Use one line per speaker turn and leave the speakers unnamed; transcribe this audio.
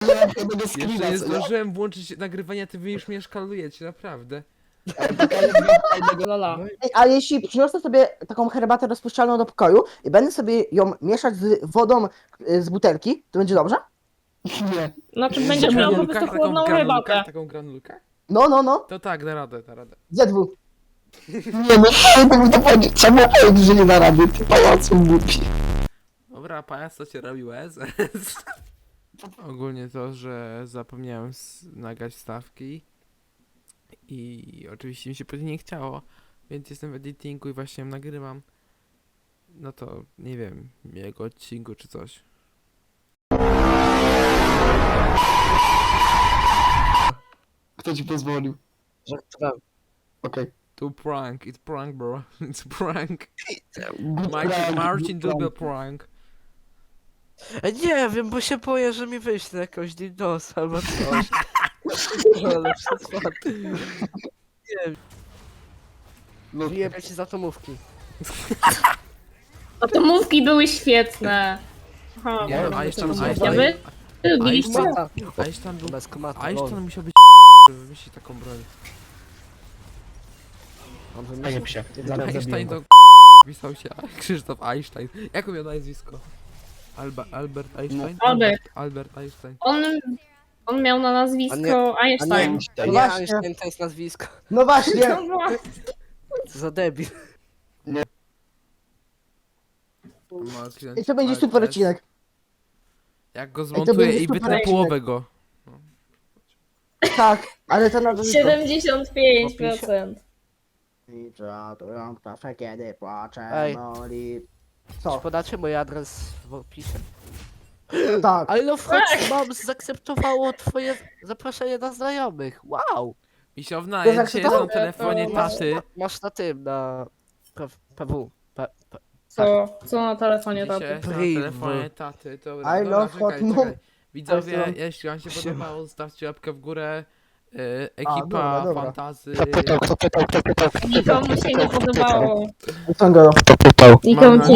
Jeszcze nie zdążyłem włączyć nagrywania, ty wy już mnie szkalujecie, naprawdę.
Lola.
Ej, a jeśli przyniosę sobie taką herbatę rozpuszczalną do pokoju i będę sobie ją mieszać z wodą z butelki, to będzie dobrze?
Nie.
Znaczy będziesz miał po
Granulka,
prostu chłodną herbatę.
taką granulkę?
No.
To tak, da radę, da radę.
ZW.
Nie, no to powiedzieć, trzeba powiedzieć, że nie da rady, ty pajacu głupi.
Dobra, pajac, co cię robi łez? Ogólnie to, że zapomniałem nagrać stawki i oczywiście mi się później nie chciało, więc jestem w editingu i właśnie ją nagrywam. No to nie wiem, jego odcinku czy coś.
Kto ci pozwolił?
Żartowałem.
Okej.
To prank, it's prank bro, it's prank.
Good
Marcin,
prank,
Marcin
good
lubię
prank.
prank.
Nie wiem, bo się boję, że mi wyśle jakąś DDoS albo coś. Ale przesład.
No,
Wyjebę ci z atomówki.
Atomówki były świetne. Aha,
Nie,
dobra,
a jeszcze
to
tam,
ja wy lubiliście?
Mata.
Einstein był,
Bez komatu.
Einstein musiał być żeby wymyślić taką broń.
On
zajeb
wymyślił.
się.
Einstein to pisał się Krzysztof Einstein. Jak miał nazwisko? Albert Einstein? Albert Einstein.
On miał na nazwisko Einstein.
To
No
nie
właśnie.
Einstein, to jest nazwisko.
No właśnie.
Co za debil.
I to będzie super odcinek.
Jak go
to
zmontuję
będzie
i
super
wytnę
odcinek.
połowę go.
Tak, ale to na to
75%.
kiedy płaczę,
Ej.
boli.
Czy
Co?
podacie mój adres w opisie?
Tak.
Ale no wchodź, mam zaakceptowało twoje zaproszenie na znajomych. Wow!
Misiowna,
To
ja
znaczy
dzisiaj
to?
jestem na telefonie
To
taty.
Masz na tym, na PW.
Co na telefonie
Dzisiaj
taty?
jestem na
Priv.
telefonie taty.
I
Dobra,
love hot
czekaj.
mom.
Widzowie,
Teraz
jeśli wam się podobało, zostawcie łapkę w górę.
dobra,
Ekipa
dobra.
fantazy.
Kto pytał?
Nikomu się nie podobało.
Ciągle.
Kto pytał?
Nikomu się